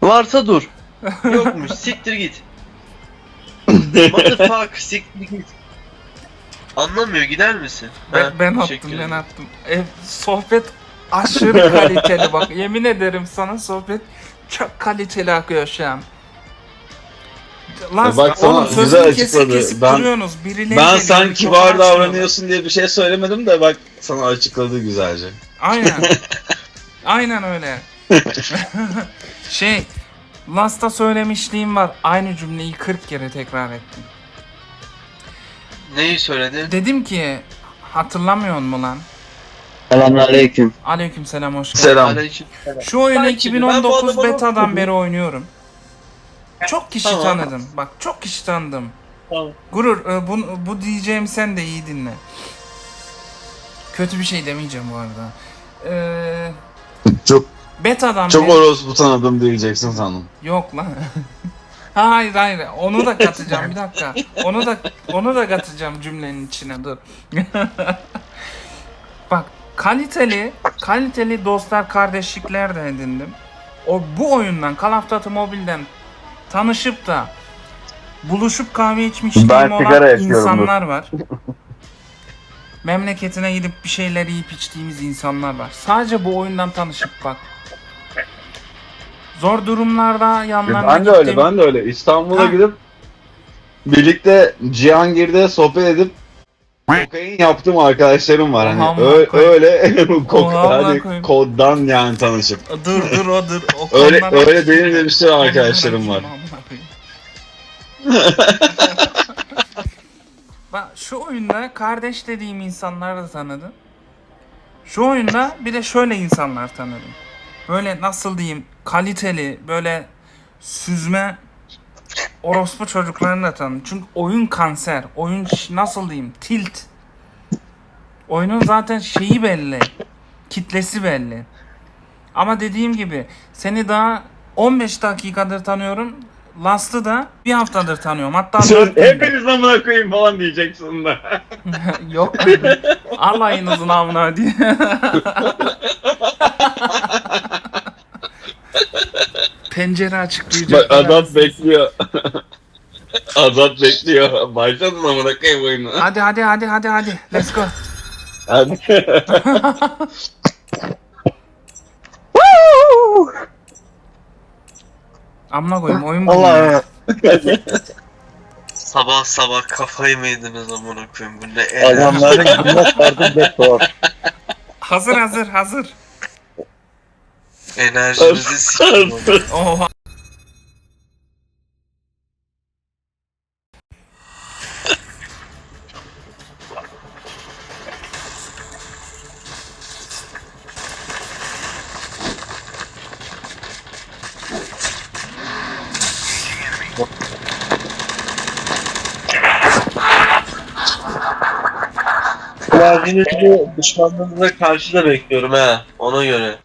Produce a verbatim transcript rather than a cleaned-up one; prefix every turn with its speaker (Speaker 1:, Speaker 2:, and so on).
Speaker 1: Varsa dur. Yokmuş. Siktir git. Motherfuck, siktir git. Anlamıyor, gider misin?
Speaker 2: Ben,
Speaker 1: Ha,
Speaker 2: ben
Speaker 1: teşekkür
Speaker 2: attım ben
Speaker 1: ederim.
Speaker 2: attım. E, sohbet aşırı kaliteli bak. Yemin ederim sana sohbet çok kaliteli akıyor şu an. Lan
Speaker 3: E bak sana
Speaker 2: oğlum
Speaker 3: güzel
Speaker 2: sözünü kesip
Speaker 3: açıkladı.
Speaker 2: kesip
Speaker 3: Ben-
Speaker 2: duruyorsunuz. Birileri
Speaker 3: Ben
Speaker 2: geliyor,
Speaker 3: sen
Speaker 2: mikrofonu
Speaker 3: kibar
Speaker 2: açmıyorlar.
Speaker 3: davranıyorsun diye bir şey söylemedim de bak sana açıkladı güzelce.
Speaker 2: Aynen. Aynen öyle. Şey, Last'a söylemişliğim var. Aynı cümleyi kırk kere tekrar ettim.
Speaker 1: Neyi söyledi?
Speaker 2: Dedim ki, hatırlamıyor musun lan?
Speaker 4: Selamünaleyküm.
Speaker 2: Aleykümselam, hoş geldin.
Speaker 3: Selam.
Speaker 1: Aleykümselam.
Speaker 2: Şu oyunu
Speaker 1: Bak şimdi, ben bu
Speaker 2: iki bin on dokuz
Speaker 1: adamı
Speaker 2: betadan
Speaker 1: unutmadım.
Speaker 2: beri oynuyorum. Çok kişi
Speaker 1: Tamam.
Speaker 2: tanıdım. Bak çok kişi tanıdım.
Speaker 1: Tamam.
Speaker 2: Gurur, e, bu, bu diyeceğim sen de iyi dinle. Kötü bir şey demeyeceğim bu arada. Ee,
Speaker 3: Çok
Speaker 2: betadan
Speaker 3: çok
Speaker 2: beri...
Speaker 3: orospu tanıdım diyeceksin sandım.
Speaker 2: Yok lan. Hayır hayır onu da katacağım bir dakika. Onu da onu da katacağım cümlenin içine dur. Bak kaliteli kaliteli dostlar kardeşlikler de edindim. O bu oyundan Call of Duty Mobile'den tanışıp da buluşup kahve içmişliğim
Speaker 4: Ben
Speaker 2: olan
Speaker 4: sigara yakıyorum,
Speaker 2: insanlar var. Memleketine gidip bir şeyler yiyip içtiğimiz insanlar var. Sadece bu oyundan tanışıp bak. Zor durumlarda yanlarına
Speaker 3: Ben de öyle,
Speaker 2: gittim.
Speaker 3: ben de öyle. İstanbul'a
Speaker 2: Ha.
Speaker 3: gidip birlikte Cihangir'de sohbet edip kokain yaptığım arkadaşlarım var. Hani
Speaker 2: Oha,
Speaker 3: Ö-
Speaker 2: koy-
Speaker 3: öyle kok
Speaker 2: Oha,
Speaker 3: hani
Speaker 2: koyayım.
Speaker 3: koddan yani tanışıp.
Speaker 2: Dur dur o dur. O
Speaker 3: Öyle
Speaker 2: konulara-
Speaker 3: öyle benim de bir sürü arkadaşlarım var.
Speaker 2: Bak şu oyunda kardeş dediğim insanları da tanıdım. Şu oyunda bir de şöyle insanlar tanıdım. Böyle nasıl diyeyim kaliteli böyle süzme orospu çocuklarını da tanıdım. Çünkü oyun kanser. Oyun ş- nasıl diyeyim tilt. Oyunun zaten şeyi belli. Kitlesi belli. Ama dediğim gibi seni daha on beş dakikadır tanıyorum. Last'ı da bir haftadır tanıyorum. Hatta dört gündür.
Speaker 3: Hepiniz amına koyayım falan diyeceksin da.
Speaker 2: Yok. Alayınızın amına diye. Pencere açıklayacak.
Speaker 3: Bak Azat bekliyor. Azat bekliyor. Başladın amına koyayım oyunu.
Speaker 2: Hadi hadi hadi hadi hadi. Let's go.
Speaker 3: Hadi.
Speaker 2: Amına koyayım oyun bu.
Speaker 4: Allah
Speaker 1: Sabah sabah kafayı mı yediniz amına koyayım, bu ne enerji.
Speaker 4: adamların günlük vardı be tuhaf.
Speaker 2: Hazır hazır hazır.
Speaker 1: Enerjinizi sikeyim oğlum.
Speaker 2: Oha.
Speaker 1: Enerjinizi düşmanlarınıza karşı da bekliyorum ha, ona göre.